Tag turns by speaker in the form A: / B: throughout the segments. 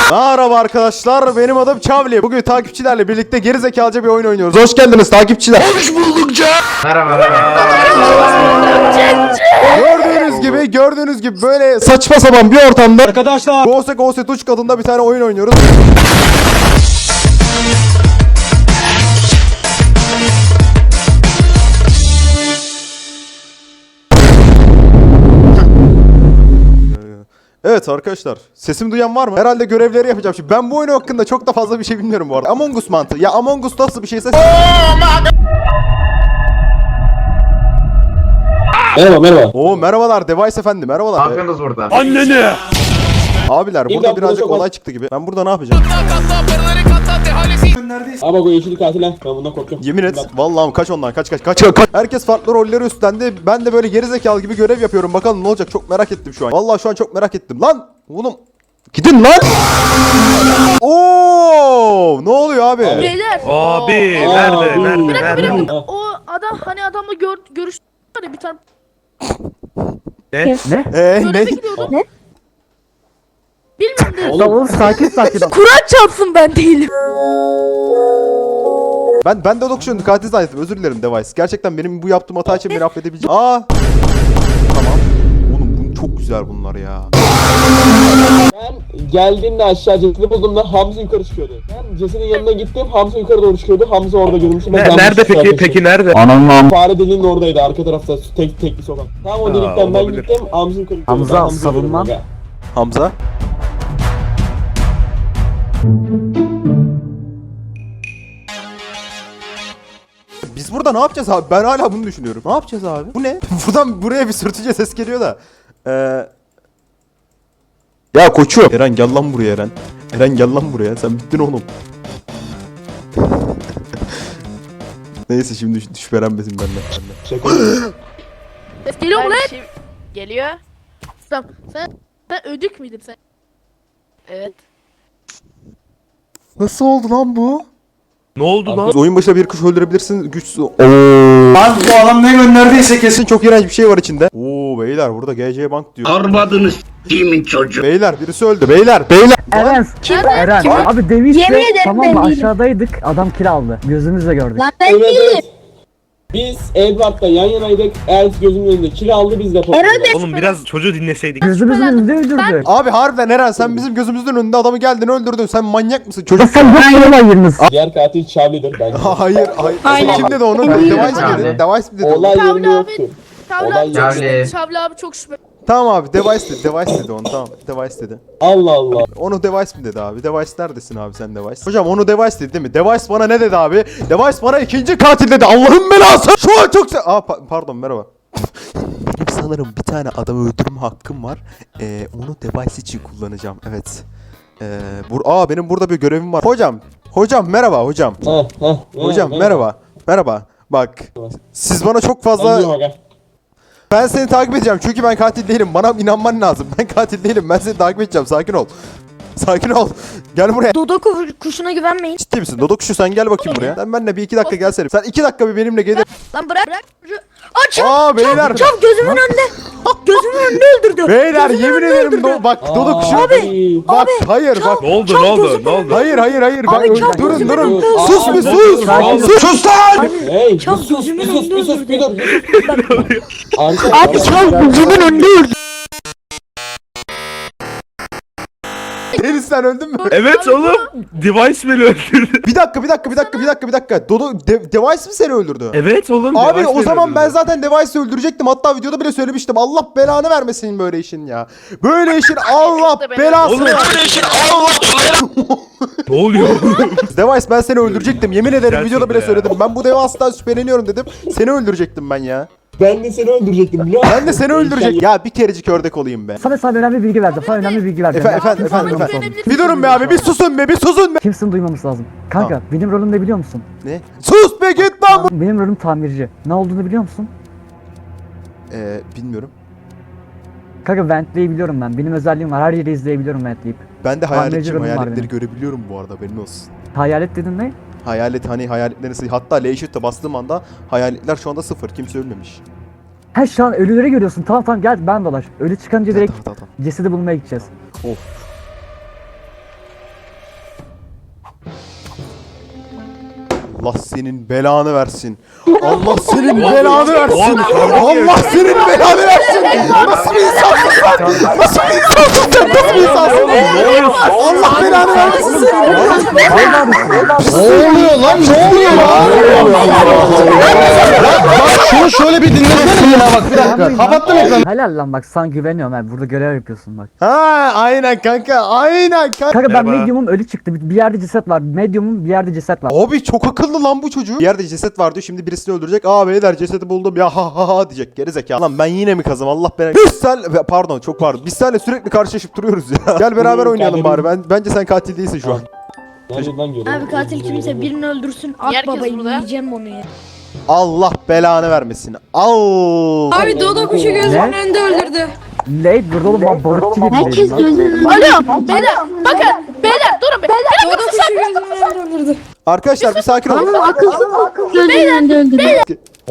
A: Merhaba arkadaşlar, benim adım Çavli. Bugün takipçilerle birlikte gerizekalıca bir oyun oynuyoruz. Hoş geldiniz takipçiler. Hoş bulduk Merhaba. Gördüğünüz gibi böyle saçma sapan bir ortamda arkadaşlar Gose Tuş kadında bir tane oyun oynuyoruz. Evet arkadaşlar, sesimi duyan var mı? Herhalde görevleri yapacağım. Şimdi ben bu oyun hakkında çok da fazla bir şey bilmiyorum bu arada. Among Us mantığı. Ya Among Us nasıl bir şeyse...
B: Merhaba.
A: Oo merhabalar Device efendi, merhabalar.
C: Ne yapıyorsunuz burada?
A: Anneni! Abiler burada
B: İmdat,
A: birazcık
B: çok
A: olay çıktı gibi. Ben burada ne yapacağım?
B: Ama bu yeşillik katil lan. Ben bundan korkuyorum.
A: Yemin et. Vallahi kaç ondan kaç. Herkes farklı rolleri üstlendi. Ben de böyle gerizekalı gibi görev yapıyorum. Bakalım ne olacak, çok merak ettim şu an. Vallahi şu an çok merak ettim. Lan! Oğlum! Gidin lan! Oo! Ne oluyor abi?
D: Beyler.
E: Abi
B: Abi.
E: nerede?
D: O adam hani adamla görüştü hani bir tane
E: Ne?
D: göreve
A: Ne?
D: gidiyordu. Ne? Bilmiyorum dedim.
B: Oğlum
F: Sakin.
D: Kur'an çarpsın ben değilim.
A: Ben de dokuşun katil zannettim. Özür dilerim Device. Gerçekten benim bu yaptığım hata için beni affedebilecek. Aa! Tamam. Oğlum bu çok güzel bunlar ya.
B: ben geldiğimde aşağı cesedi bulduğumda Hamza yukarı çıkıyordu. Ben cesedin yanına gittim. Hamza yukarı doğru çıkıyordu. Hamza orada görmüştüm.
E: Nerede peki nerede?
B: Fare deliğinin oradaydı. Arka tarafta tek bir sokak. Tam o delikten ben
E: olabilir.
B: gittim. Hamza yukarı çıkıyordu.
F: Hamza,
B: Ben Hamza'yı
F: savunma.
B: görüyorum
A: Hamza. Biz burada ne yapacağız abi? Ben hala bunu düşünüyorum. Ne yapacağız abi? Bu ne? Buradan buraya bir sürtücü ses geliyor da. Ya koçum. Eren gel lan buraya Eren. Eren gel lan buraya. Sen bittin oğlum. Neyse şimdi şüphelenmesin benden.
B: Şaka.
D: Ses geliyor mu lan?
G: Geliyor.
D: Tamam. Sen ödük müydün sen?
G: Evet.
A: Nasıl oldu lan bu?
E: Ne oldu lan?
A: Oyun başına bir kuş öldürebilirsin. Güçsüz. Lan bu adam ne gönderdiyse kesin çok iğrenç bir şey var içinde. Oo beyler burada GC Bank diyor.
C: Armadınız kimin çocuğu?
A: Beyler birisi öldü. Beyler.
F: Eren.
D: Kim?
F: Eren.
D: Kim?
F: Abi demişti.
D: Yemin ederim
F: Tamam
D: ben
F: mı?
D: değilim.
F: Aşağıdaydık. Adam kill aldı. Gözümüzle gördük.
D: Lan ben
B: Evet,
D: değilim.
B: evet. Biz Edward'la yan yanaydık. Elf gözümün önünde kill aldı. Biz de topladık.
E: Oğlum biraz çocuğu dinleseydik.
F: Gözümüzün önünde öldürdü.
A: Abi harbiden Eren sen bizim gözümüzün önünde adamı geldin öldürdün. Sen manyak mısın
F: Ya
A: çocuk?
F: sen yok olayınız.
B: Diğer katil Charlie'dir bence.
A: Hayır.
D: Aynen.
A: Kim dedi onu?
D: Aynen.
A: Device mi dedi? Device mi dedi?
B: Olay
D: Çavli
B: yerinde
D: abi.
B: yoktu.
D: Çavli
B: Olay
D: abi çok
C: Çavli.
D: şüpheli. Çavli abi çok şüpheli.
A: Tamam abi Device dedi onu, tamam Device dedi.
B: Allah Allah.
A: Onu Device mi dedi abi? Device neredesin abi sen Device? Hocam onu Device dedi değil mi? Device bana ne dedi abi? Device bana ikinci katil dedi. Allah'ın belası. Şu an çok pardon merhaba. Benim sanırım bir tane adamı öldürme hakkım var. Onu Device için kullanacağım. Evet. Benim burada bir görevim var. Hocam merhaba hocam. Hocam merhaba. Bak. Siz bana çok fazla... Ben seni takip edeceğim çünkü ben katil değilim. Bana inanman lazım. Ben katil değilim. Ben seni takip edeceğim. Sakin ol. Gel buraya.
D: Dodo kuşuna güvenmeyin.
A: Ciddi misin? Dodo kuşu sen gel bakayım buraya. Sen benimle bir 2 dakika gelsene. Sen 2 dakika bir benimle gelir.
D: Lan bırak. Aç.
A: Beyler.
D: Çav gözümün önünde. Gözümün önünde öldürdü.
A: Beyler
D: Gözümün
A: yemin
D: önünde
A: ederim
D: öldürdü.
A: bak Dodo kuşu.
B: Abi.
A: Bak hayır bak.
E: Ne oldu?
A: Hayır. Bak,
D: Abi, çok
A: durun.
B: üzüldüm.
A: Sus
B: Abi,
A: bir sus. Sus lan.
B: Hey,
D: Çal
B: bir sus,
D: gözümün
B: bir sus,
D: önünde
B: bir sus,
D: öldürdü.
B: bir dur.
D: Abi çav gözümün önünde öldü.
A: Deniz sen öldün mü?
E: Evet oğlum. Device beni öldürdü.
A: Bir dakika. Device mi seni öldürdü?
E: Evet oğlum.
A: Abi
E: Device
A: o
E: beni
A: zaman ben
E: öldürdü.
A: zaten Device'ı öldürecektim. Hatta videoda bile söylemiştim. Allah belanı vermesin böyle işin ya. Böyle işin Allah belasını
E: Oğlum.
A: vermesin.
E: Ne oluyor?
A: Device ben seni öldürecektim. Yemin ederim
E: Gerçekten
A: videoda bile
E: ya.
A: söyledim. Ben bu Device'dan şüpheleniyorum dedim. Seni öldürecektim ben ya.
B: Ben de seni öldürecektim biliyor musun?
A: Ben de seni öldürecek. Ya bir kerecik ördek olayım be.
F: Sana önemli bir bilgi verdim. Sana önemli bir bilgi verdim.
A: Efendim.
D: güvenebilir
A: Bir durun be abi. Bir susun be.
F: Kimsin duymaması lazım. Kanka benim rolüm ne biliyor musun?
A: Ne? Sus be git lan bu.
F: Benim rolüm tamirci. Ne olduğunu biliyor musun?
A: Bilmiyorum.
F: Kanka ventleyebiliyorum ben. Benim özelliğim var. Her yeri izleyebiliyorum ventleyip.
A: Ben de
F: Tamirci
A: hayaletçiyim.
F: rolüm var
A: Hayaletleri
F: benim.
A: görebiliyorum bu arada. Haberin olsun.
F: Hayalet dedin ne?
A: Hayaletlerin sayı. Hatta L-Shift'e bastığım anda hayaletler şu anda 0. Kimse ölmemiş.
F: He şu an ölüleri görüyorsun. Tamam gel ben dolaş. Ölü çıkınca direkt
A: Tamam.
F: cesedi bulmaya gideceğiz.
A: Of. Allah senin belanı versin. Allah senin belanı versin. Allah senin belanı versin. Nasıl bir insansın sen? Nasıl bir insansın sen? Nasıl bir insansın? Allah belanı versin.
H: Ne oluyor lan? Ne oluyor lan? Bak şunu şöyle bir dinlesene ya bak bir dakika. Kapattım ekranı.
F: Helal lan bak sana güveniyorum abi. Burada görev yapıyorsun bak.
A: Ha aynen kanka. Aynen kanka.
F: Kanka ben
E: Merhaba.
F: medium'um ölü çıktı. Bir yerde ceset var. Medium'um bir yerde ceset var.
A: Abi çok akıllı lan bu çocuk. Bir yerde ceset var diyor. Şimdi birisini öldürecek. Aa beyler cesedi buldum ya ha ha ha diyecek. Geri zekalı. Lan ben yine mi kazım? Allah belanı. Pardon çok pardon. Biz seninle sürekli karşılaşıp duruyoruz ya. Gel beraber oynayalım bari. Bence sen katil değilsin şu an.
B: Nereden görüyorum?
D: Abi katil kimse birini öldürsün. At
G: Herkes
D: babayı
G: burada.
D: yiyeceğim onu ya.
A: Allah belanı vermesin. Al.
I: Abi Dodo kuşu gözümün önünde öldürdü.
F: Late burada oğlum ben barutçu gibi
D: Herkes
F: lan.
D: gözünü. Alo beyler bakın beyler durun be.
I: Dodo kuşu gözümün önünde öldürdü.
A: Arkadaşlar bir sakin olun.
D: Gözünü öldürdü.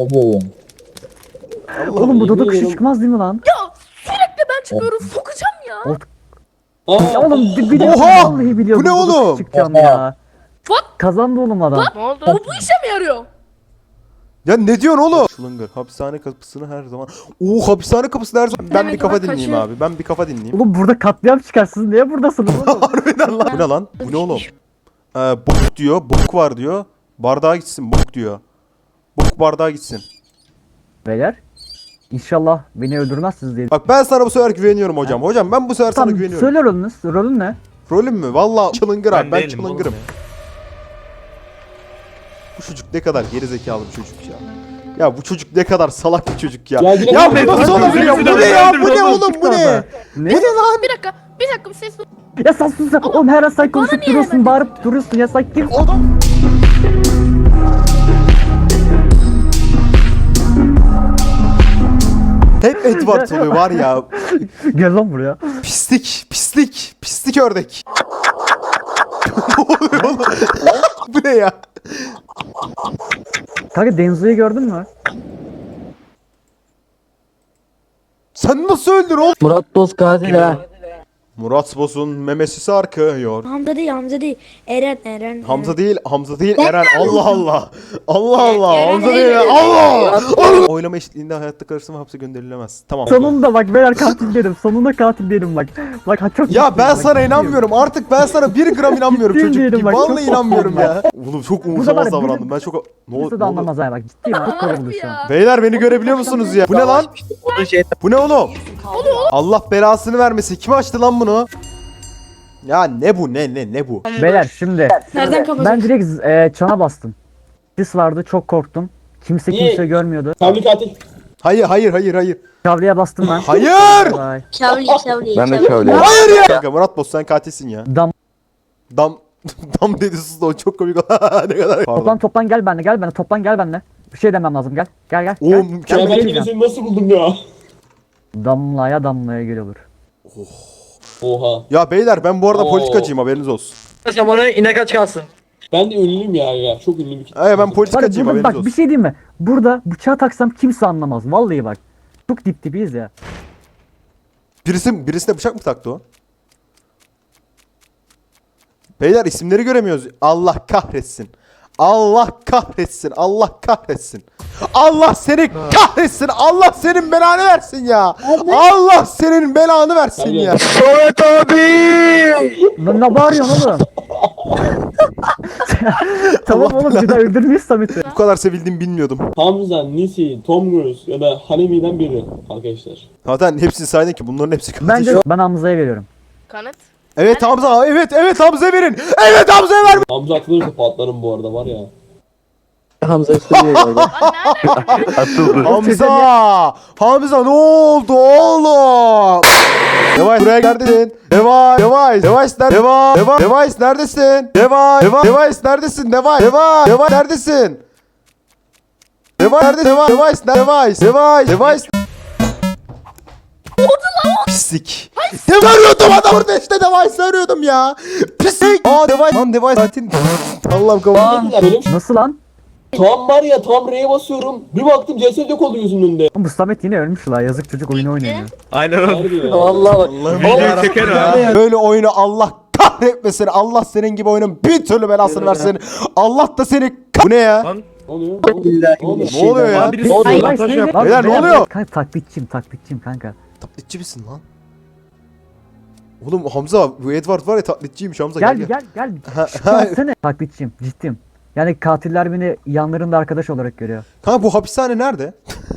F: Oğlum bu Dodo kuşu çıkmaz değil mi lan?
D: Sürekli ben çıkıyorum sokacağım ya.
F: Ya oğlum bir de
A: Oha!
F: vallahi biliyordum.
A: Bu ne
F: Dodo kuşu
A: oğlum?
F: çıkacağım ya.
D: What?
F: Kazandı oğlum adam.
G: Ne oldu?
D: O bu işe mi yarıyor?
A: Ya ne diyorsun oğlum? Şılıngar. Hapishane kapısını her zaman. Oo hapishane kapısını her zaman. Ben
I: Evet,
A: bir kafa
I: bak
A: dinleyeyim
I: kaçıyor.
A: abi. Ben bir kafa dinleyeyim.
F: Oğlum burada katliam çıkarsınız. Niye buradasınız oğlum?
A: Harbiden lan. Bu ne lan? Bu ne oğlum? Bok diyor. Bok var diyor. Bardağa gitsin. Bok diyor. Bok bardağa gitsin.
F: Beyler. İnşallah beni öldürmezsiniz diye.
A: Bak ben sana bu sefer güveniyorum hocam. Hocam ben bu sefer sana
F: Tamam
A: güveniyorum.
F: söyle rolünüz. Rolün ne?
A: Rolüm mü? Valla çılıngır abi. Ben
E: değilim
A: çılıngırım.
E: oğlum
A: Bu çocuk ne kadar gerizekalı bir çocuk ya. Ya bu çocuk ne kadar salak bir çocuk ya.
B: Ya yine
A: Ya
B: ben-
A: bu nasıl olabilir ya? Bu ne ya? Bu ne oğlum? Bu ne?
F: Ne?
A: Bu ne lan?
D: Bir dakika bir ses.
F: Ya sen sus sen. Oğlum her an sen konuşup
D: niye
F: duruyorsun.
D: hemen-
F: Bağırıp duruyorsun ya sen kim?
A: Adam. Hep Edward oluyor var ya.
F: Gel lan buraya.
A: Pislik, pislik, pislik ördek. Ne oluyor oğlum? Bu ne ya?
F: Kanka Denzo'yu gördün mü?
A: Sen nasıl öldün oğlum?
H: Murat Boz katil ha.
A: Murat Boz'un memesi sarkıyor.
D: Hamza değil. Eren.
A: Hamza değil Eren. Allah Allah. Allah Allah. Hamza değil Eren. Allah. Allah. Oylama eşitliğinde hayatta kalırsın ve hapse gönderilemez. Tamam.
F: Sonunda bak beyler katil dedim. Sonunda katil dedim bak. Bak ha, çok
A: Ya
F: mutluyum,
A: ben
F: bak,
A: sana
F: ciddiyim.
A: inanmıyorum. Artık ben sana 1 gram inanmıyorum
F: Ciddiyim
A: çocuk
F: diyelim
A: gibi.
F: bak,
A: Vallahi
F: çok
A: inanmıyorum
F: korktum
A: ya. Oğlum çok
F: var
A: umursamaz
F: ya,
A: davrandım. Ben çok... Ne
F: Kimse
A: oldu?
F: de anlamaz ha bak ciddiyim çok korktum şu an.
A: Beyler beni görebiliyor musunuz ya? Bu ne lan? Bu ne oğlum? Allah belasını vermesin. Kim açtı lan bunu? Ya ne bu ne bu?
F: Beyler şimdi
I: Nereden kapatacak?
F: ben direkt çana bastım. Sis vardı çok korktum. Kimse
B: Niye?
F: kimse görmüyordu.
B: Kavli katil.
A: Hayır.
F: Kavliye bastım ben.
A: Hayır!
F: Vay.
H: Ben de şöyle.
A: Hayır ya! Kanka Murat Boz sen katilsin ya.
F: Dam.
A: Dam dedi sus da o çok komik. Ne kadar. Pardon.
F: Toplan gel benimle toplan gel benimle. Bir şey demem lazım gel. Gel.
A: Oo,
F: Gel.
A: mükemmel.
B: Ya
F: bir
B: ben
F: şey
B: yine
F: diyeceğim.
B: seni nasıl buldum ya?
F: Damlaya gel olur.
B: Oha.
A: Ya beyler ben bu arada
B: Oo.
A: politikacıyım haberiniz olsun.
H: Sen bana inek aç kalsın.
B: Ben de ünlüyüm ya. Çok ünlü bir kitle.
A: Ben
F: Var ya,
A: politikacıyım
F: burada
A: haberiniz
F: bak bir
A: olsun.
F: şey diyeyim mi? Burada bıçağı taksam kimse anlamaz. Vallahi bak. Çok dip dibiyiz ya.
A: Birisine bıçak mı taktı o? Beyler isimleri göremiyoruz. Allah kahretsin. Allah kahretsin. Allah kahretsin. Allah seni kahretsin. Allah senin belanı versin ya. Allah senin belanı versin ya.
H: Soğut abi.
F: Lan ne bağırıyorsun oğlum? Tamam
A: Allah
F: oğlum bir daha öldürmeyiz Samet'i.
A: Bu kadar sevildiğimi bilmiyordum.
B: Hamza, Nisi, Tom Cruise ya da Hanemi'den biri arkadaşlar.
A: Zaten hepsini saydın ki bunların hepsi katil.
F: Bence ben Hamza'ya veriyorum.
G: Kanıt.
A: Evet Hamza. Evet Hamza'ya verin. Evet Hamza'ya ver.
B: Hamza atılırsa patlarım bu arada var ya.
H: Hamza üstüne geldi.
A: Hamza ne oldu oğlum? Device buraya neredesin? Device neredesin? Device neredesin? Pislik. Device arıyordum adam burada işte Device arıyordum ya. Pislik. Device. Lan Device zaten. Allah'ım kapat.
B: Benim
F: Nasıl lan?
B: tam var ya tam R'ye basıyorum. Bir baktım ceset yok oldu yüzünün önünde.
F: Oğlum bu Samet yine ölmüş la. Yazık çocuk oyunu oynuyor.
E: Aynen öyle.
B: Harbi ya.
H: Vallahi bak.
E: Videoyu çeker ha.
A: Böyle oyunu Allah kahretmesin. Allah senin gibi oyunun bir türlü belasını versin. Allah da seni bu ne ya?
E: Lan
B: Ne oluyor? Ne oluyor?
A: Ne oluyor ya?
E: lan birisi
B: Ay,
E: sabotaj yaptı.
A: Beyler, ne oluyor?
F: Kanka taklitçiyim kanka.
A: Taklitçi misin lan? Oğlum Hamza bu Edward var ya taklitçiymiş Hamza
F: Gel
A: gel.
F: gel. Gelsene. Taklitçiyim ciddiyim. Yani katiller beni yanlarında arkadaş olarak görüyor.
A: Kanka bu hapishane nerede?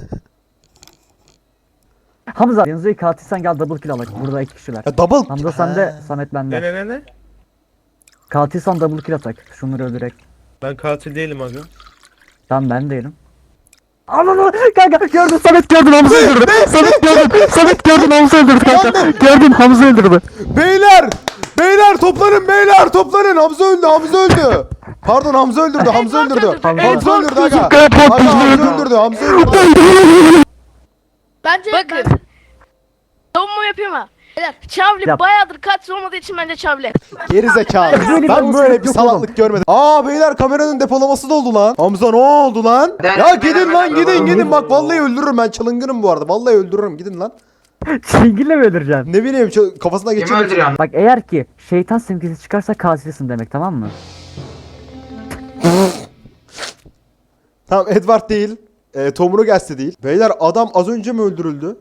F: Hamza yanınıza katilsen gel double kill alak. Burada 2 kişiler.
A: Ya double.
F: Hamza sende, Samet bende.
E: Ne?
F: Katilsen double kill atak. Şunları öldürerek.
E: Ben katil değilim aga.
F: Tamam ben değilim. Ananı kanka gördün Samet gördün Hamza öldürdü. Samet gördün Hamza öldürdü kanka. Gördün Hamza öldürdü.
A: Beyler toplanın. Hamza öldü. Pardon Hamza öldürdü. Hamza öldürdü aga. Hamza öldürdü.
D: Bence
G: Bakın. Savunma yapayım ha. Beyler, Çavli
F: Yap.
G: bayağıdır katil olmadığı için bence Çavli.
A: Geri zekalı.
F: Böyle bir
A: Ben
F: olsun
A: böyle bir
F: yok
A: salaklık görmedim. Aa beyler kameranın depolaması doldu lan. Hamza ne oldu lan? Ya gidin lan gidin. Bak vallahi öldürürüm ben çalıngırım bu arada. Vallahi öldürürüm gidin lan.
F: Çingille mi öldüreceksin?
A: Ne bileyim kafasına
C: Kim
A: geçirdim.
C: öldürüyor?
F: Bak eğer ki şeytan simgesi çıkarsa katilsin demek tamam mı?
A: Tamam Edward değil. Tomru Gelse değil. Beyler adam az önce mi öldürüldü?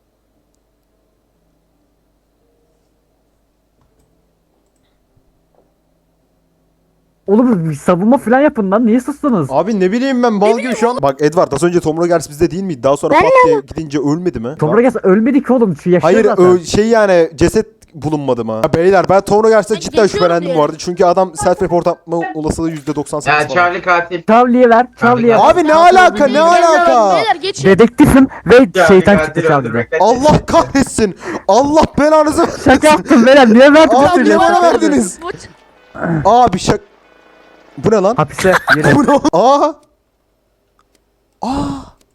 F: Oğlum bir savunma falan yapın lan niye sustunuz?
A: Abi ne bileyim ben bal gibi şu an. Bak Edward az önce Tomru Gelse bizde değil miydi? Daha sonra pat diye gidince ölmedi mi?
F: Tomra gelse ölmedi ki oğlum şu yaşıyor
A: Hayır
F: zaten.
A: şey yani ceset bulunmadı mı? Ya beyler ben Tomru Gelse'den
D: Ben
A: cidden
D: geçiyorum
A: şüphelendim
D: diye.
A: bu arada. Çünkü adam self report atma olasılığı %98
C: Ya
A: falan.
C: Charlie katil.
F: Çavliye ver.
A: Abi ne alaka ne alaka?
D: Beyler geçin.
F: Dedektifim ve
C: Charlie
F: şeytan
C: katil
F: çıktı Çavli'de.
C: öldürmekten
A: Allah kahretsin. Allah belanızı.
F: Şaka yaptım beyler niye verdiniz?
A: Abi niye
F: söylüyorsun?
A: bana verdiniz? Abi Bu ne lan?
F: Hapise yürü.
A: Bu ne? Aa.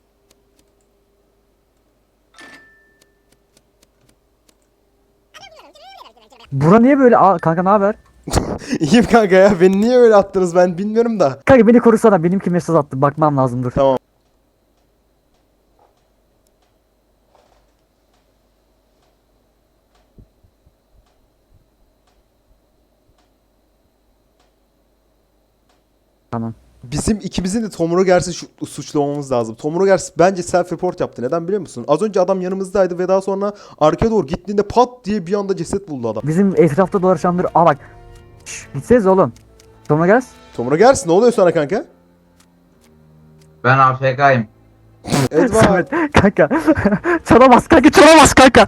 F: Bura niye böyle? Aa, kanka ne haber?
A: İyiyim kanka ya. Beni niye öyle attınız ben bilmiyorum da.
F: Kanka beni korusana benimki mesaj attı bakmam lazım dur.
A: Tamam.
F: Tamam.
A: Bizim ikimizin de Tom Rogers'i suçlamamız lazım. Tom Rogers bence self report yaptı. Neden biliyor musun? Az önce adam yanımızdaydı ve daha sonra arkaya doğru gittiğinde pat diye bir anda ceset buldu adam.
F: Bizim etrafta dolaşanları aa bak. Şşş gitseniz oğlum. Tomra gel.
A: Tom Rogers ne oluyor sana kanka?
C: Ben AFK'yim.
A: Edward.
F: Samet kanka. Çalamaz kanka. Kanka.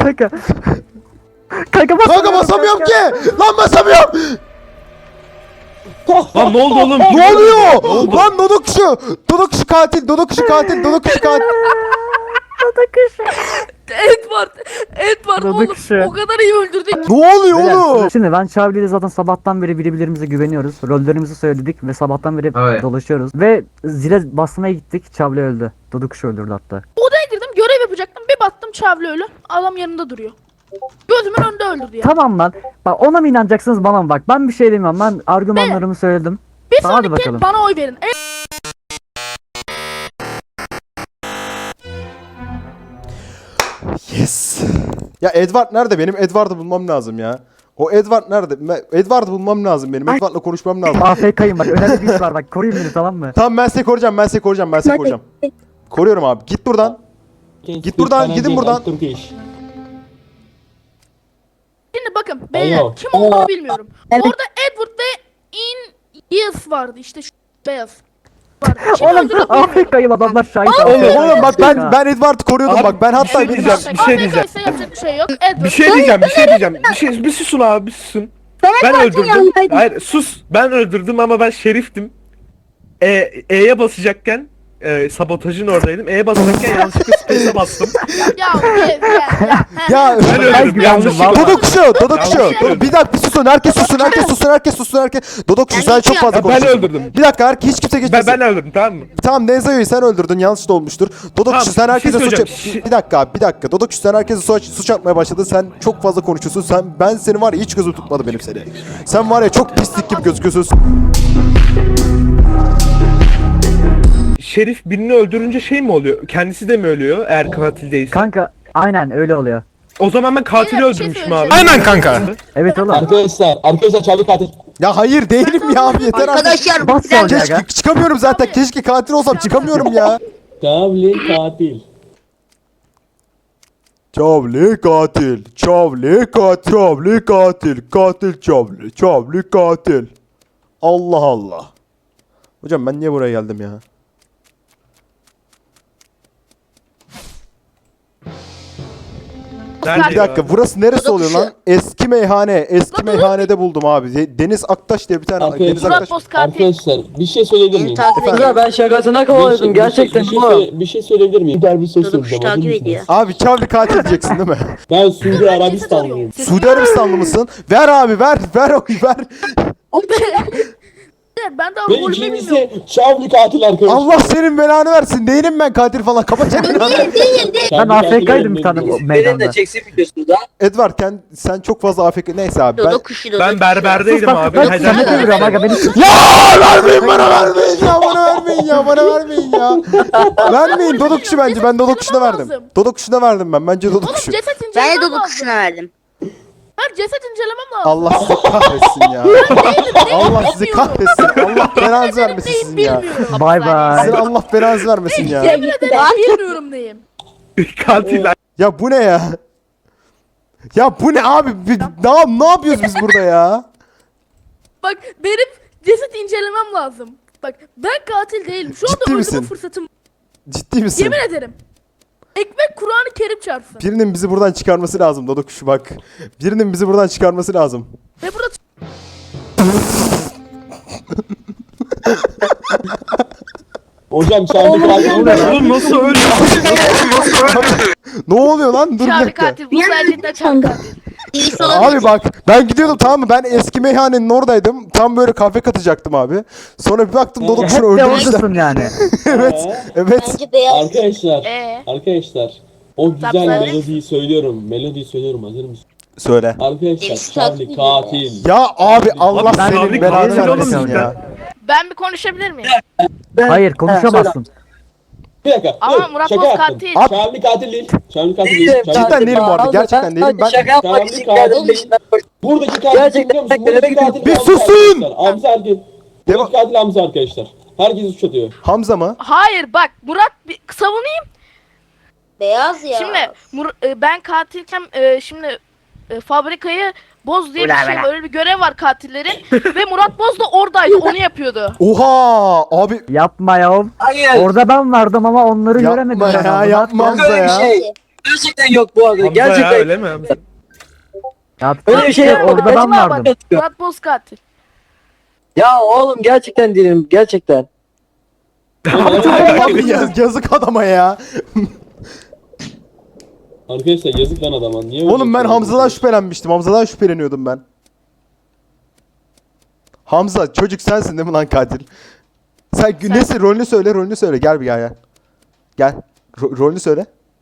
A: Kanka basamıyorum ki. Lan basamıyorum.
E: Lan ne oldu oğlum?
A: Ne oluyor? Lan Dodok kuşu katil.
D: Edward
F: Dadı
D: oğlum
F: kuşu.
D: o kadar iyi öldürdü.
A: Ne oluyor
F: Beyler,
A: oğlum?
F: şimdi ben Çavli ile zaten sabahtan beri birbirimize güveniyoruz. Rollerimizi söyledik ve sabahtan beri
C: Evet.
F: dolaşıyoruz. Ve zile basmaya gittik. Çavli öldü. Dodukuşu öldürdü hatta.
D: Odaya girdim görev yapacaktım. Bir baktım Çavli ölü. Adam yanında duruyor. Gözümün önünde öldürdü ya.
F: Tamam lan. Bak ona mı inanacaksınız bana mı bak. Ben bir şey demiyorum. Ben argümanlarımı söyledim.
D: Bir
F: Tamam, hadi
D: sonraki
F: bakalım.
D: bana oy verin.
A: Yes. Ya Edward nerede? Benim Edward'ı bulmam lazım ya. O Edward nerede? Edward'ı bulmam lazım benim. Edward'la konuşmam lazım.
F: AFK'yim bak. Önemli bir iş var bak. Koruyun beni tamam mı?
A: Tamam ben seni koruyacağım. Koruyorum abi. Git buradan. Git buradan, gidin buradan.
D: Şimdi bakın beyler
B: Alo.
D: kim olduğunu bilmiyorum. Orada Edward ve Yes vardı işte şu beyaz. Vardı. Kim
F: Oğlum
D: öldürdü bilmiyorum.
F: AFK'yim adamlar şahit.
A: Oğlum bak ben Edward'ı koruyordum
E: Abi,
A: bak. Ben hatta
E: bir şey diyeceğim.
D: AFK ise yapacak bir şey yok. Edward.
E: Bir şey diyeceğim. Bir susun abi bir susun. Ben öldürdüm. Hayır sus. Ben öldürdüm ama ben şeriftim. E'ye basacakken sabotajın oradaydım. E'ye basacakken yanlışlıkla space'e bastım.
D: Ya.
A: Ya
E: Ben öldürdüm yanlışlıkla.
A: Dodo kuşu. Bir dakika bir susun. Herkes susun. Dodo kuşu sen çok fazla
E: Ben
A: konuşuyorsun.
E: öldürdüm.
A: Bir dakika hiç kimse geçmesin.
E: Ben öldürdüm tamam mı?
A: Tamam Nenzo'yu sen öldürdün yanlış da olmuştur. Dodo
E: Tamam,
A: kuşu sen
E: bir
A: herkese
E: şey
A: suç...
E: söyleyeceğim.
A: Bir dakika. Dodo kuşu sen herkese suç atmaya başladın. Sen çok fazla konuşuyorsun. Ben seni var ya hiç gözüm tutmadı benim seni. Sen var ya çok pislik gibi gözüküyorsun.
E: Şerif birini öldürünce şey mi oluyor? Kendisi de mi ölüyor eğer katil değilse?
F: Kanka aynen öyle oluyor.
E: O zaman ben katili
D: Beyler, bir şey
E: öldürmüşüm abi.
D: söyleyeceğim.
H: Aynen kanka.
F: Evet oğlum.
B: Arkadaşlar Çağrı katil.
A: Ya hayır değilim ya abi yeter artık.
G: Arkadaşlar
F: Bas sonra
A: Keşke
F: aga.
A: çıkamıyorum zaten. Keşke katil olsam çıkamıyorum ya.
B: Çağrı katil.
A: Çavli katil. Çavli katil. Çavli katil. Katil çavli. Çavli katil. Allah Allah. Hocam ben niye buraya geldim ya?
E: Nerede
A: Bir dakika
E: ya?
A: burası neresi oluyor lan? Eski meyhane. Eski meyhanede buldum abi. Deniz Aktaş diye bir tane.
B: Arkadaşlar,
A: Deniz
D: Murat
A: Aktaş.
D: Boz katil.
B: Arkadaşlar bir şey söyleyebilir miyim?
I: Ya ben şakasına kovalıyordum gerçekten.
B: Bir şey söyleyebilir miyim? Bir söz söyleyeceğim. Hazır mısınız?
A: Abi Çavli katil diyeceksin değil mi?
B: Ben Suudi Arabistanlıyım.
A: Suudi Arabistanlı mısın? Ver abi ver. Ver oyu ver.
D: Ben daha
B: Ve
D: rolümü
B: ikincisi
D: bilmiyorum.
B: Çağrı katil arkadaşlar.
A: Allah senin belanı versin. Değilim ben katil falan. Kapat çeneni.
F: Ben AFK'ydım bir tane meydanda.
A: Edward sen çok fazla AFK. Neyse abi ben...
E: Ben berberdeydim abi.
F: Ben
E: Hadi.
F: Samet'e vuruyorum aga beni.
A: Ya vermeyin bana vermeyin ya bana vermeyin ya bana vermeyin ya. Vermeyin Dodo kuşu bence ben Dodo kuşuna verdim.
D: lazım.
A: Dodo kuşuna verdim bence Dodo
D: Oğlum
A: kuşu.
D: ceset
G: Ben
D: incelemem
G: de
D: lazım.
G: Dodo kuşuna verdim.
D: Ben ceset incelemem lazım.
A: Allah sizi kahretsin ya. Allah sizi kahretsin. Allah belanızı vermesin sizin ya.
D: Bilmiyorum.
F: Bay bay.
A: Sizin Allah belanızı vermesin ya.
D: Yemin ederim bilmiyorum neyim.
E: Katiller.
A: Ya bu ne ya? Ya bu ne abi? Ne yapıyoruz biz burada ya?
D: Bak benim ceset incelemem lazım. Bak ben katil değilim. Şu anda
A: Ciddi
D: öldürme
A: misin?
D: fırsatım.
A: Ciddi misin?
D: Yemin ederim. Ekmek Kur'an-ı Kerim çarpsın.
A: Birinin bizi buradan çıkarması lazım Dodo kuşu bak. Birinin bizi buradan çıkarması lazım.
D: Ve burada
B: Hocam Çağrı katil.
E: Oğlum nasıl öldü?
A: Ne oluyor lan? Dur bir
G: Çağrı
A: dakika.
G: katil. Bu sadece Çağrı katil. İyisi
A: Abi bak ben gidiyordum tamam mı ben eski meyhanenin oradaydım tam böyle kahve katacaktım abi sonra bir baktım Dodo
F: Hep
A: kuşunu
F: de
A: öldürmüşler.
F: oradasın yani.
A: Evet
G: Bence beyaz.
B: Arkadaşlar. Arkadaşlar. O güzel
D: Sapsarı.
B: melodiyi söylüyorum. Melodiyi söylüyorum. Hazır mısın?
A: söyle.
B: Arkadaşlar
G: Deniz
B: Çağrı
G: katil.
B: katil.
A: Ya abi Allah
E: ben
A: senin
E: abi
A: belanı
E: katil
A: vermesin
E: oğlum
A: ya.
G: Ben bir konuşabilir miyim?
F: Hayır konuşamazsın.
B: Bir dakika.
G: Ama
B: dur,
G: Murat
B: şaka
G: Boz
B: yaptım.
G: katil.
B: Çağrı katil değil. Çağrı katil değil.
A: Cidden değilim bu arada gerçekten değilim ben.
I: Şaka yapmak için geldim peşinden koştum.
B: Buradaki katil
I: Gerçekten
B: biliyor musun? Buradaki katil
A: Bir
B: Hamza
A: susun!
B: arkadaşlar. Hamza erkek. Buradaki katil Hamza arkadaşlar. Herkes suç atıyor.
A: Hamza mı?
G: Hayır bak Murat bir savunayım.
I: Beyaz ya.
G: Şimdi ben katilken şimdi fabrikayı boz diye bir şey böyle bir görev var katillerin ve Murat Boz da oradaydı onu yapıyordu.
A: Oha abi
F: Yapma ya.
I: Hayır.
F: Orada ben vardım ama onları göremedim.
A: yapma
F: ben
A: ya
F: abi.
A: yapma Hamza
I: Öyle bir
A: ya.
I: şey. Gerçekten yok bu arada.
E: Hamza ya
I: Gerçekten.
E: öyle mi Hamza?
F: Ya,
I: Öyle bir şey yok.
F: orada ben
I: Vallahi
F: vardım.
G: Murat Boz katil.
I: Ya oğlum gerçekten değilim. Gerçekten.
A: Abi yazık adama ya.
B: Arkadaşlar yazık lan adama. Niye öyle
A: Oğlum ben
B: yapıyorsun?
A: Hamza'dan şüphelenmiştim. Hamza'dan şüpheleniyordum ben. Hamza çocuk sensin değil mi lan katil? Sen neyse rolünü söyle rolünü söyle gel bir gel. Gel. Rolünü söyle.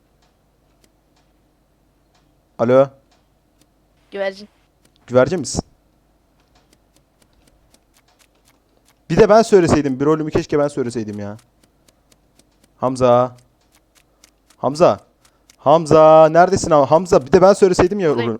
A: Alo.
G: Güvercin.
A: Güvercin misin? Bir de ben söyleseydim. Bir rolümü keşke ben söyleseydim ya. Hamza. Hamza. Hamza. Neredesin abi? Hamza. Bir de ben söyleseydim ya rolü.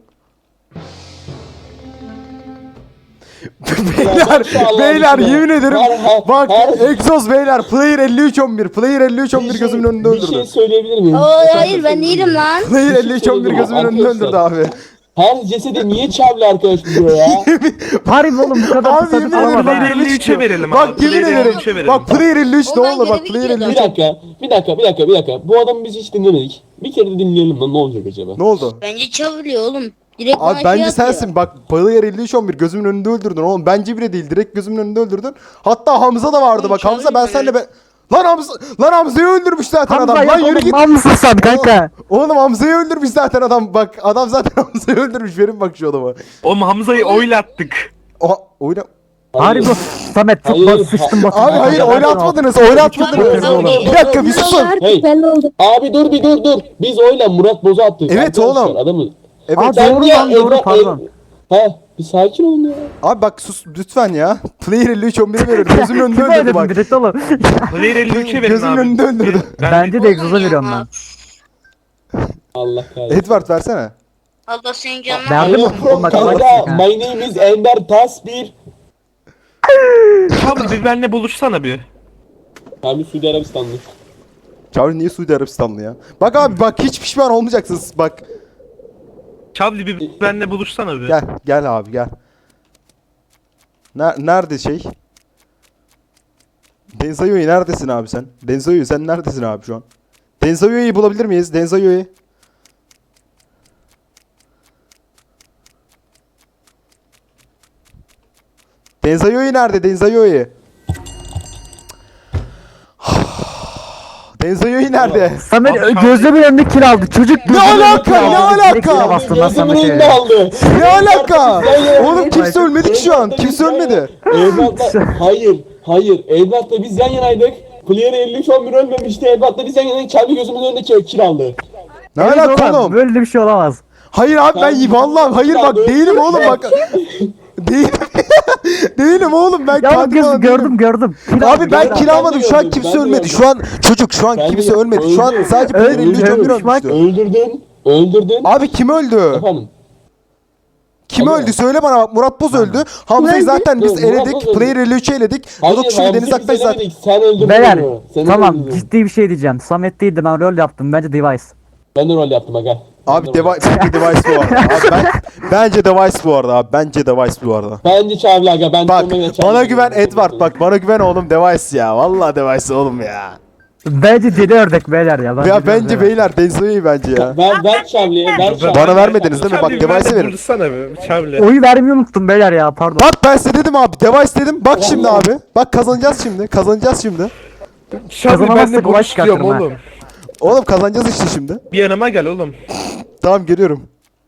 A: beyler, beyler yemin ederim. Bak Exos beyler. Player 5311. Player 5311 gözümün önünde
B: Bir şey
A: öldürdü.
B: söyleyebilir miyim?
I: Hayır ben değilim lan.
A: Player 5311 gözümün önünde öldürdü abi.
B: Her cesedi niye Çağrı arkadaş buluyor ya?
F: Harbi oğlum bu kadar
A: Abi
F: kısa
A: yemin
F: tutamam
A: ederim
F: ha.
A: ben
E: 53'e verelim
A: Bak
E: abi.
A: yemin
E: Player
A: ederim.
E: 53'e verelim.
A: Bak Player 53 ne
I: Ondan
A: olur bak
I: geri
A: Player
I: video
A: 53.
B: Bir dakika. Bu adamı biz hiç dinlemedik. Bir kere de dinleyelim lan ne olacak acaba?
A: Ne oldu?
G: Bence çavuluyor oğlum. Direkt
A: Abi bence sensin bak Player 5311 gözümün önünde öldürdün oğlum bence bile değil direkt gözümün önünde öldürdün. Hatta Hamza da vardı bak Hamza ben senle Lan Hamza'yı öldürmüş zaten
F: Hamza
A: adam. Lan
F: yok
A: yürü
F: oğlum
A: git.
F: mal mısın sen kanka?
A: Oğlum Hamza'yı öldürmüş zaten adam. Bak adam zaten Hamza'yı öldürmüş. Verin bak şu adama.
E: Oğlum Hamza'yı oylattık.
A: Oha oyna.
F: Harbi bu. Samet çok
B: Hayır,
F: sıçtım batın.
A: Abi hayır oynatmadınız. Oynatmadınız. Bir dakika bir susun.
B: Hey. Abi dur. Biz oyla Murat Boz'u attık.
A: Evet
B: Arkadaşlar,
A: oğlum.
B: Adamı.
A: Evet.
F: Aa,
B: Sen
F: doğru
B: niye
F: lan doğru
B: Edward-
F: pardon.
B: Bir sakin olun ya.
A: Abi bak sus lütfen ya. Player 5311'i veriyorum. Gözümün önünde
F: Kim
A: öldürdü
F: öyle
A: bak.
F: direkt oğlum?
E: Player 53'e verin
A: Gözümün
E: abi.
A: önünde öldürdü.
F: Bence de egzoza veriyorum ben.
B: Allah kahretsin.
A: Edward versene.
I: Allah senin canına.
F: Verdim
B: I
F: mi?
B: am from
F: Bak,
B: Canada.
F: bak.
B: My name is Ender Tasbir.
E: Çavli bir benle buluşsana bir.
B: Abi Suudi Arabistanlı.
A: Çağrı niye Suudi Arabistanlı ya? Bak abi bak hiç pişman olmayacaksınız bak.
E: Çavli bir benle buluşsana bir.
A: Gel abi gel. Nerede şey? Denzayo'yu neredesin abi sen? Denzayo'yu sen neredesin abi şu an? Denzayo'yu bulabilir miyiz? Denzayo'yu. Denzayo'yu nerede? Denzayo'yu. Denzayo'yu nerede?
F: Samet
E: Abi,
F: gözümün önünde kill aldı. Çocuk
A: Ne
F: gözümün önünde
A: alaka,
F: kill aldı.
A: ne alaka?
F: Direkt yere bastım lan
B: Gözümün
F: Samet'e.
B: önünde aldı.
A: Ne alaka? Oğlum
B: Oğlum
A: kimse ölmedi ki şu an. Kimse ölmedi.
B: Evlatla hayır. Evlatla biz yan yanaydık. Player 53-11 ölmemişti. Evlatla biz yan yanaydık. Çarpı gözümün önünde kill aldı.
A: Ne
F: Evet
A: alaka oğlum?
F: Böyle bir şey olamaz.
A: Hayır abi ben vallahi hayır bak değilim oğlum bak. Değilim. Değilim oğlum ben
F: Ya
A: katil
F: göz
A: falan değilim.
F: gördüm. Kill
A: Abi
F: aldı,
A: ben
F: kill aldı.
A: kill almadım şu an
B: gördüm,
A: kimse
B: ben de
A: ölmedi.
B: gördüm.
A: Şu an çocuk şu an
B: Ben de
A: kimse
B: gördüm.
A: ölmedi. Şu an
B: Öldü.
A: sadece player
F: Öldü,
A: 53 11
F: ölmüş bak.
A: ölmüştü.
B: Öldürdün.
A: Abi kim öldü?
B: Efendim.
A: Kim
B: Abi.
A: öldü? Söyle bana bak Murat Boz öldü. Hamza'yı zaten biz
B: Dur, Murat Boz
A: eledik.
B: öldü.
A: Player 53'ü eledik.
B: Hayır,
A: Rodok şimdi Deniz
B: Hamzi'yi
A: Aktaş
B: biz
A: zaten.
B: elemedik. Sen öldürdün
F: Beyler
B: onu. Sen
F: tamam
B: öldürdün.
F: ciddi bir şey diyeceğim. Samet değildi ben rol yaptım. Bence Device.
B: Ben de rol yaptım aga.
A: Abi
B: Ben de rol
A: bence Device bu arada. Abi bence Device bu arada abi. Bence Device bu arada.
B: Bence Çağrı aga. Ben
A: Bak
B: Çağrı'ya Çağrı
A: bana
B: dedim.
A: güven Edward bak bana güven oğlum Device ya. Vallahi Device oğlum ya.
F: Bence deli ördek beyler ya.
A: Ya bence beyler Denzo'yu bence ya.
B: Ver Çağrı'ya. Ver Çağrı'ya.
A: Bana vermediniz değil mi? Bak
E: Çavli bir
A: Device'e
E: benle
A: verin.
E: buluşsana bir. Çavli.
F: Oyu vermeyi unuttum beyler ya pardon.
A: Bak ben size dedim abi Device dedim. Bak şimdi abi. Bak kazanacağız şimdi. Kazanacağız şimdi.
E: Çavli
F: Kazanamazsak
E: benle
F: olay
E: buluş diyorum
F: çıkartırım ha.
E: oğlum.
A: Oğlum kazanacağız işte şimdi.
E: Bir yanıma gel oğlum.
A: Tamam geliyorum.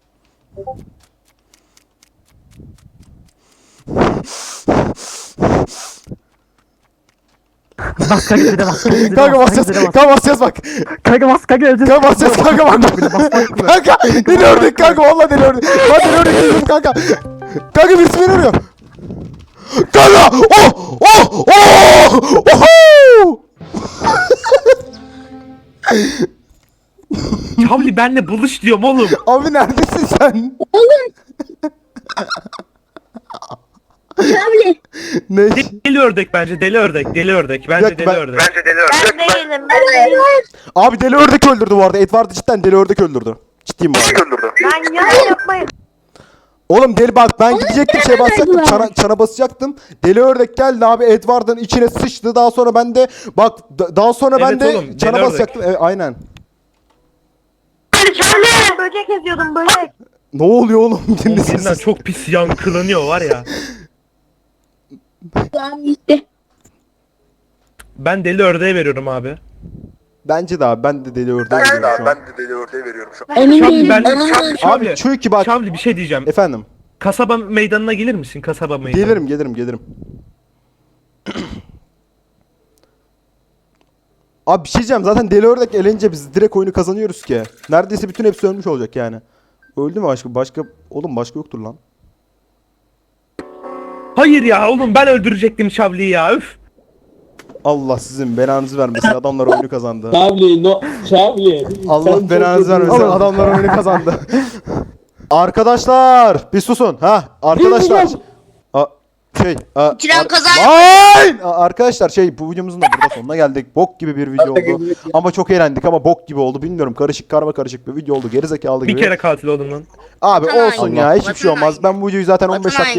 F: Bas kanka bir de bas.
A: Kanka basacağız. Kanka basacağız bak.
F: Kanka bas kanka öleceğiz.
A: Kanka basacağız kanka bak. Kanka deli ördük kanka vallahi deli ördük. Hadi deli ördük dedim kanka. Kanka birisi beni arıyor. Kanka! Oh! Oh! Oh! Oho!
E: Çavli benle buluş diyorum oğlum.
A: Abi neredesin sen?
I: Çavli.
A: Ne?
E: Deli ördek bence deli ördek. Deli ördek. Bence
A: Yok,
E: deli
A: ben-
E: ördek.
I: Ben değilim.
A: Abi deli ördek öldürdü bu arada. Edward'ı cidden deli ördek öldürdü. Ciddiyim bu arada.
I: Ben ya yapmayın.
A: Oğlum deli bak ben gidecektim şey basacaktım çana basacaktım. Deli ördek geldi abi Edward'ın içine sıçtı. Daha sonra ben de bak daha sonra ben
E: Evet
A: de
E: oğlum,
A: çana
E: deli
A: basacaktım. Evet, aynen.
I: Çavli. Böcek eziyordum böcek.
A: Ne oluyor oğlum?
E: Oğlum
A: Dinle
E: birinden
A: sessiz.
E: çok pis yankılanıyor var ya.
I: Tamam gitti.
E: Ben deli ördeğe veriyorum abi.
A: Bence de abi ben de deli ördeğe veriyorum şu an.
I: Emin
E: Çavli
I: değilim.
E: ben
A: Abi
E: Çavli.
A: çünkü bak
E: Çavli bir şey diyeceğim.
A: efendim
E: Kasaba meydanına gelir misin? Kasaba meydanı.
A: gelirim. Abi bir şey diyeceğim zaten deli ördek elince biz direkt oyunu kazanıyoruz ki. Neredeyse bütün hepsi ölmüş olacak yani. Öldü mü başka? Oğlum başka yoktur lan.
E: Hayır ya oğlum ben öldürecektim Çavli'yi ya üf.
A: Allah sizin belanızı vermesin adamlar oyunu kazandı.
B: Çağrı no. Çağrı.
A: Allah belanızı vermesin adamlar oyunu kazandı. Arkadaşlar bir susun ha arkadaşlar.
I: Kiran kazan.
A: Arkadaşlar bu videomuzun da burada sonuna geldik. Bok gibi bir video oldu. Ama çok eğlendik ama bok gibi oldu. Bilmiyorum karışık karışık bir video oldu. Gerizekalı gibi.
E: Bir kere katil oldum lan.
A: Abi
I: Vatan
A: olsun
I: haini.
A: ya hiçbir şey
I: Vatan
A: olmaz. Ben bu videoyu zaten 15
I: Vatan
A: dakika